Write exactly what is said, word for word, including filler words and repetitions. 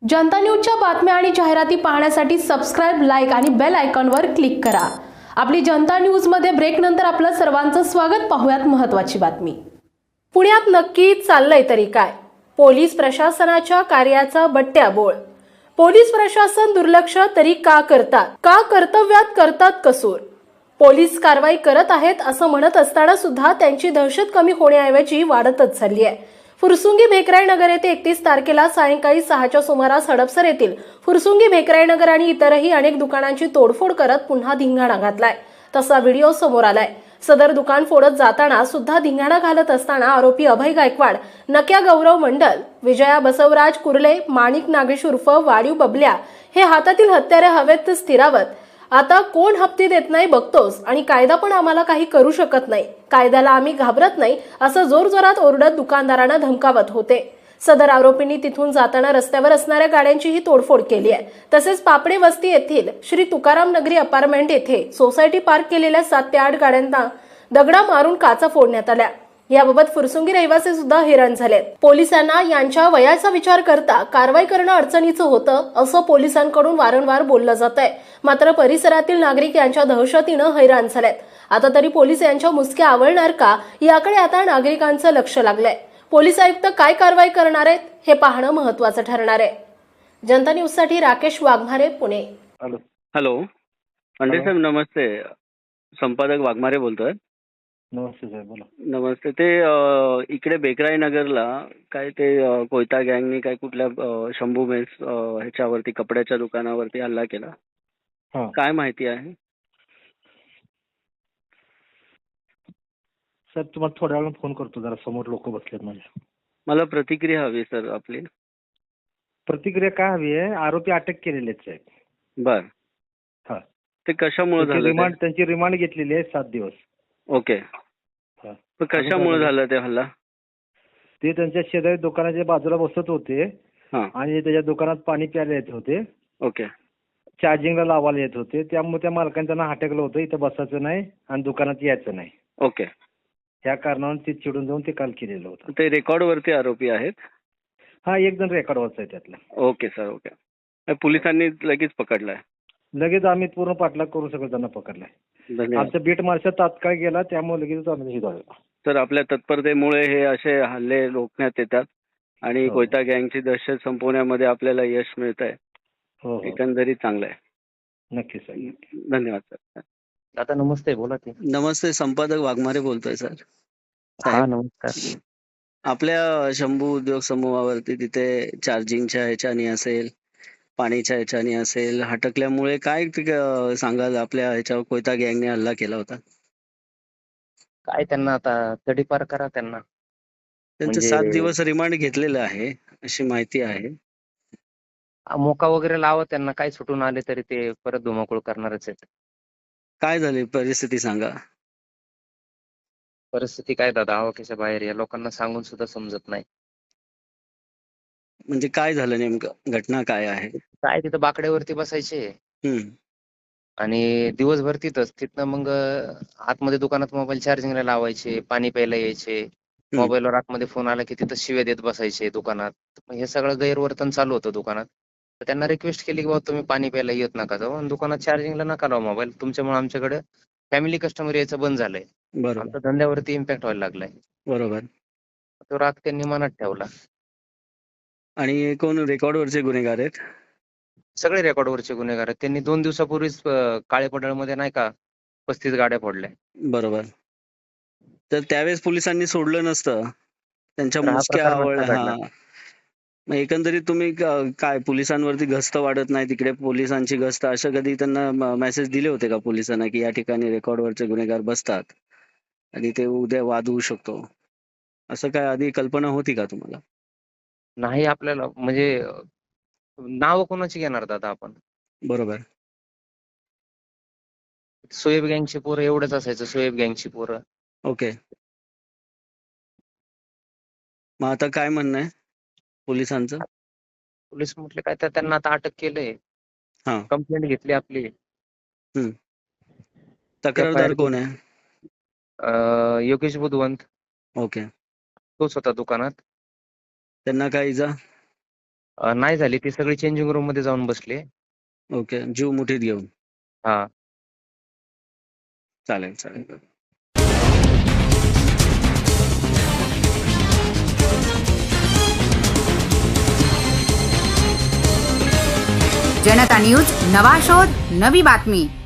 जनता न्यूजच्या बातम्या आणि जाहिराती पाहण्यासाठी सबस्क्राइब, लाईक आणि बेल आयकॉनवर क्लिक करा। आपली जनता न्यूजमध्ये ब्रेक नंतर आपलं सर्वांचं स्वागत। पाहूयात महत्त्वाची बातमी। पुण्यात नक्की चाललंय तरी काय? पोलीस प्रशासनाच्या कार्याचा बट्ट्याबोळ। पोलीस प्रशासन दुर्लक्ष तरी का करतात? का कर्तव्यात करतात कसूर? पोलीस कारवाई करत आहेत असं म्हणत असताना सुद्धा त्यांची दहशत कमी होण्याऐवजी वाढतच चालली आहे। फुरसुंगी भेकराई नगर येथे एकतीस तारखेला सायंकाळी सहाच्या सुमारास हडपसर येथील फुरसुंगी भेकराई नगर आणि इतरही अनेक दुकानांची तोडफोड करत पुन्हा धिंगाणा घातलाय। तसा व्हिडिओ समोर आलाय। सदर दुकान फोडत जाताना सुद्धा धिंगाणा घालत असताना आरोपी अभय गायकवाड, नक्या गौरव मंडल, विजया बसवराज कुर्ले, माणिक नागेश उर्फ वाडीव बबल्या हे हातातील हत्यारे हवेत स्थिरावत, आता कोण हप्ते देत नाही बघतोस आणि कायदा पण आम्हाला काही करू शकत नाही, कायद्याला आम्ही घाबरत नाही असं जोरजोरात ओरडत दुकानदारांना धमकावत होते। सदर आरोपींनी तिथून जाताना रस्त्यावर असणाऱ्या गाड्यांचीही तोडफोड केली आहे। तसेच पापडे वस्ती येथील श्री तुकाराम नगरी अपार्टमेंट येथे सोसायटी पार्क केलेल्या सात ते आठ गाड्यांना दगडा मारून काचा फोडण्यात आल्या। याबाबत फुरसुंगी रहिवासी सुद्धा हैराण झालेत। पोलिसांना यांच्या वयाचा विचार करता कारवाई करणं अडचणीचं होतं असं पोलिसांकडून वारंवार बोललं जात आहे। मात्र परिसरातील नागरिक यांच्या दहशतीनं हैराण झालेत। आता तरी पोलीस यांच्या मुसक्या आवळणार का याकडे आता नागरिकांचं लक्ष लागलंय। पोलीस आयुक्त काय कारवाई करणार आहेत हे पाहणं महत्त्वाचं ठरणार आहे। जनता न्यूज साठी राकेश वाघमारे, पुणे। हॅलो हॅलो अंडे हॅलो. साहेब, नमस्ते. संपादक वाघमारे बोलतोय। नमस्ते साहेब, बोला. नमस्ते. ते अ, इकडे बेकराई नगरला काय ते अ, कोयता गँगनी काय कुठल्या अ, शंभू मेस अ, ह्याच्यावरती कपड्याच्या दुकानावरती हल्ला केला, हां काय माहिती आहे? साहेब, तुम्हाला थोड्या वेळानं फोन करतो, जरा समोर लोक बसलेत माझ्या। मला प्रतिक्रिया हवी सर आपली। प्रतिक्रिया काय हवी आहे? आरोपी अटक केलेले आहेत साहेब। बर, हां, ते कशामुळे त्यांची झालं रिमांड ते? त्यांची रिमांड घेतलेली आहे सात दिवस। ओके, हां, पण कशामुळे झालं ते हल्ला? ते त्यांच्या शेजारी दुकानाच्या बाजूला बसत होते हां, आणि त्याच्या दुकानात पाणी प्यायला येत होते, ओके चार्जिंगला लावायला येत होते। त्यामुळे त्या मालकाने त्यांना हटकलं होतं, इथं बसायचं नाही आणि दुकानात यायचं नाही। ओके, त्या कारणाने ते चिडून जाऊन ते काल केलेलं होतं। ते रेकॉर्ड वरती आरोपी आहेत? हा, एक जण रेकॉर्डवरचा आहे त्यातला। Okay sir, okay. पोलिसांनी लगेच पकडलाय? लगेच आम्ही पूर्ण पाठलाग करून सगळं त्यांना पकडलाय। धन्यवाद आमचा बीट मार्शल तात्काळ गेला, त्यामुळे लगेच आम्ही हे झालं। सर. आपल्या तत्परतेमुळे हे असे हल्ले रोखण्यात येतात आणि हो. कोयता गँगची दहशत संपवण्यामध्ये आपल्याला यश मिळत आहे। हो हो, एकंदरीत चांगलं आहे। नक्की साहेब, नक्की। धन्यवाद सर। दादा नमस्ते, बोला की. नमस्ते, संपादक वाघमारे बोलतोय सर। हा साहेब, नमस्कार. आपल्या शंभू उद्योग समूहावरती तिथे चार्जिंगच्या ह्याच्यानी असेल, पाणीच्या ह्याच्यानी असेल, हटकल्यामुळे काय ते, अं, सांगाल आपल्या ह्याच्यावर कोयता गँगने हल्ला केला होता? काय त्यांना आता तडीपार करा त्यांना. त्यांचं म्हणजे सात दिवस रिमांड घेतलेलं आहे अशी माहिती आहे। आ, मोका वगैरे लावा त्यांना, काय सुटून आले तरी ते परत धुमाकूळ करणारच आहेत. काय झाली परिस्थिती सांगा? परिस्थिती काय दादा, आवाक्याच्या बाहेर, या लोकांना सांगून सुद्धा समजत नाही। म्हणजे काय झालं नेमकं? घटना काय आहे? काय तिथं बाकड्यावरती बसायचे हम्म. आणि दिवसभर तिथंच तिथनं मग अं, आतमध्ये दुकानात मोबाईल चार्जिंगला लावायचे, पाणी प्यायला यायचे, हम्म. मोबाईलवर आतमध्ये फोन आला की तिथं शिव्या देत बसायचे दुकानात। मग हे सगळं गैरवर्तन चालू होतं दुकानात। तर त्यांना रिक्वेस्ट केली की बाबा तुम्ही पाणी प्यायला येत नका जाऊ आणि दुकानात चार्जिंगला नका लावा मोबाईल, तुमच्यामुळे आमच्याकडे फॅमिली कस्टमर यायचं बंद झालंय, बरोबर आमच्या धंद्यावरती इम्पॅक्ट व्हायला लागलाय। बरोबर. तो राग त्यांनी मनात ठेवला। आणि कोण रेकॉर्डवरचे गुन्हेगार आहेत? सगळे रेकॉर्डवरचे गुन्हेगार आहेत। त्यांनी दोन दिवसापूर्वीच अं, काळे पडळमध्ये नाही का पस्तीस गाड्या फोडल्या। बरोबर. तर त्यावेळेस पोलिसांनी सोडलं नसतं, त्यांच्या तर हा मुसक्या प्रकार आवळल्या. नसता घडला। हा, मग एकंदरीत तुम्ही क- काय पोलिसांवरती गस्त वाढत नाही, तिकडे पोलिसांची गस्त, असं कधी त्यांना मेसेज दिले होते का पोलिसांना की या ठिकाणी रेकॉर्डवरचे गुन्हेगार बसतात आणि ते उद्या वाद होऊ शकतो, असं काय आधी कल्पना होती का तुम्हाला? नाही आपल्याला म्हणजे नाव कोणाची घेणार दादा आपण? बरोबर. सोएब गँगची पोरं एवढंच असायचं, सोएब गँगची पोरं। ओके, मग आता काय म्हणणं आहे पोलिसांचं? पोलीस म्हटले काय तर त्यांना आता अटक केलंय, हा. कंप्लेंट घेतली आपली, हम्म. एफ आय आर तक्रारदार कोण आहे? योगेश बुधवंत, ओके. तोच होता दुकानात। त्यांना काय इजा? अं, नाही झाली, ती सगळी चेंजिंग रूम मध्ये जाऊन बसले. ओके, जीव मुठीत घेऊन. हा. चालेल चालेल. जनता न्यूज, नवा शोध, नवी बातमी.